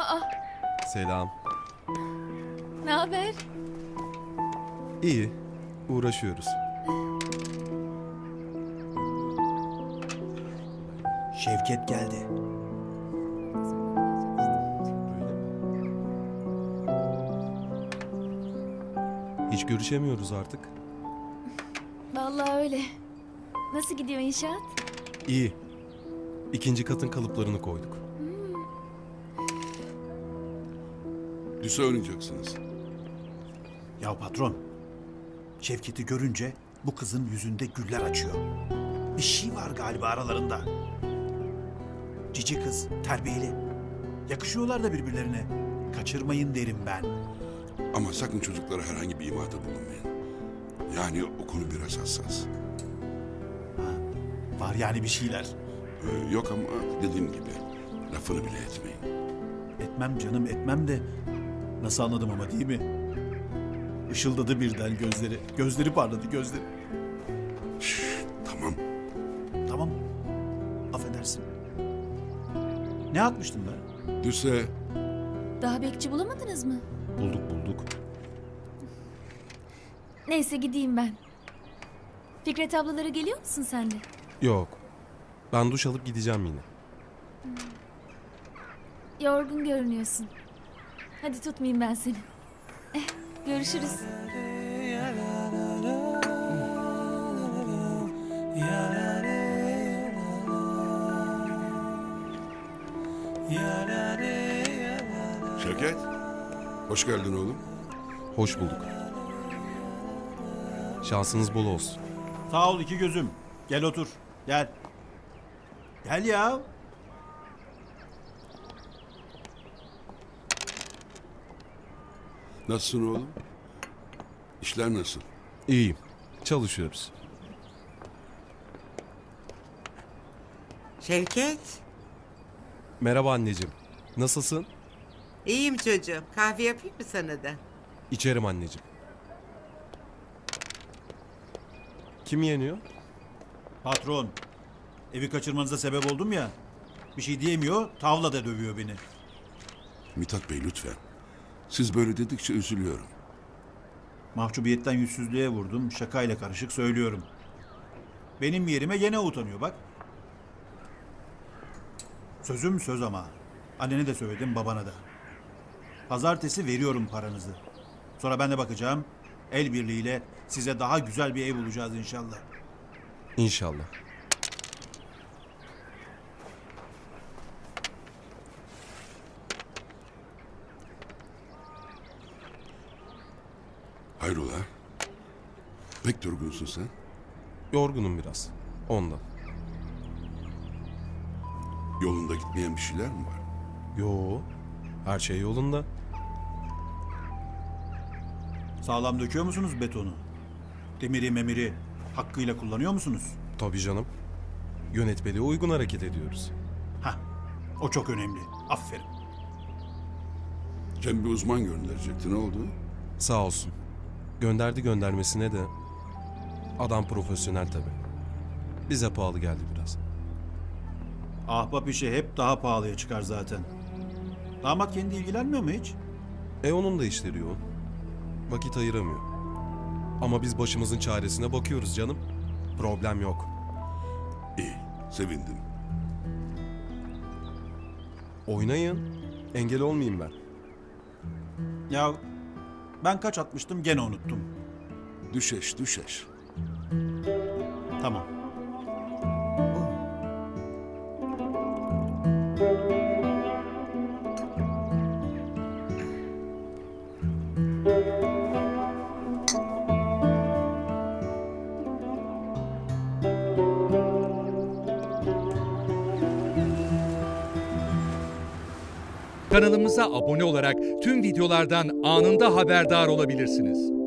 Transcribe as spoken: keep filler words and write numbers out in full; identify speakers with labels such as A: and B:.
A: Aa,
B: Selam.
A: ne haber?
B: İyi. Uğraşıyoruz.
C: Şevket geldi.
B: Hiç görüşemiyoruz artık.
A: Vallahi öyle. Nasıl gidiyor inşaat?
B: İyi. İkinci katın kalıplarını koyduk.
D: Lise oynayacaksınız.
C: Ya patron, Şevket'i görünce bu kızın yüzünde güller açıyor. Bir şey var galiba aralarında. Cici kız, terbiyeli. Yakışıyorlar da birbirlerine. Kaçırmayın derim ben.
D: Ama sakın çocuklara herhangi bir imada bulunmayın. Yani o konu biraz hassas.
C: Var yani bir şeyler.
D: Ee, yok ama dediğim gibi lafını bile etmeyin.
C: Etmem canım etmem de nasıl anladım ama değil mi? Işıldadı birden gözleri. Gözleri parladı gözleri.
D: Şşş, tamam.
C: Tamam. Affedersin. Ne atmıştın be?
D: Lise
A: Daha bekçi bulamadınız mı?
B: Bulduk bulduk.
A: Neyse gideyim ben. Fikret ablaları geliyor musun sen de?
B: Yok. Ben duş alıp gideceğim yine.
A: Yorgun görünüyorsun. Hadi tutmayayım ben seni. Eh, görüşürüz.
D: Şevket. Hoş geldin oğlum.
B: Hoş bulduk. Şansınız bol olsun.
C: Sağ ol iki gözüm. Gel otur. Gel. Gel ya.
D: Nasılsın oğlum? İşler nasıl?
B: İyiyim. Çalışıyoruz.
E: Şevket,
B: Merhaba anneciğim. Nasılsın?
E: iyiyim çocuğum. Kahve yapayım mı sana da?
B: İçerim anneciğim. Kim yeniyor?
C: Patron. Evi kaçırmanıza sebep oldum ya. Bir şey diyemiyor, tavla da dövüyor beni.
D: Mithat Bey lütfen. Siz böyle dedikçe üzülüyorum.
C: Mahcubiyetten yüzsüzlüğe vurdum, şakayla karışık söylüyorum. Benim yerime gene utanıyor bak. Sözüm söz ama. Annene de söyledim, babana da. Pazartesi veriyorum paranızı. Sonra ben de bakacağım. El birliğiyle size daha güzel bir ev bulacağız inşallah.
B: İnşallah.
D: Hayrola? Pek durgunsun sen.
B: Yorgunum biraz. Ondan.
D: Yolunda gitmeyen bir şeyler mi var?
B: Yo. Her şey yolunda.
C: Sağlam döküyor musunuz betonu? Demiri memiri hakkıyla kullanıyor musunuz?
B: Tabii canım. Yönetmeliğe uygun hareket ediyoruz.
C: Hah, o çok önemli. Aferin.
D: Cem bir uzman gönderecekti. Ne oldu?
B: Sağ olsun. Gönderdi göndermesine de adam profesyonel tabii. Bize pahalı geldi biraz.
C: Ahbap işi hep daha pahalıya çıkar zaten. Damat kendi ilgilenmiyor mu hiç?
B: E onun da işleri yoğun. Vakit ayıramıyor. Ama biz başımızın çaresine bakıyoruz canım. Problem yok.
D: İyi. Sevindim.
B: Oynayın. Engel olmayayım ben.
C: Ya ben kaç atmıştım gene unuttum.
D: Düşeş düşeş.
C: Tamam.
F: Kanalımıza abone olarak tüm videolardan anında haberdar olabilirsiniz.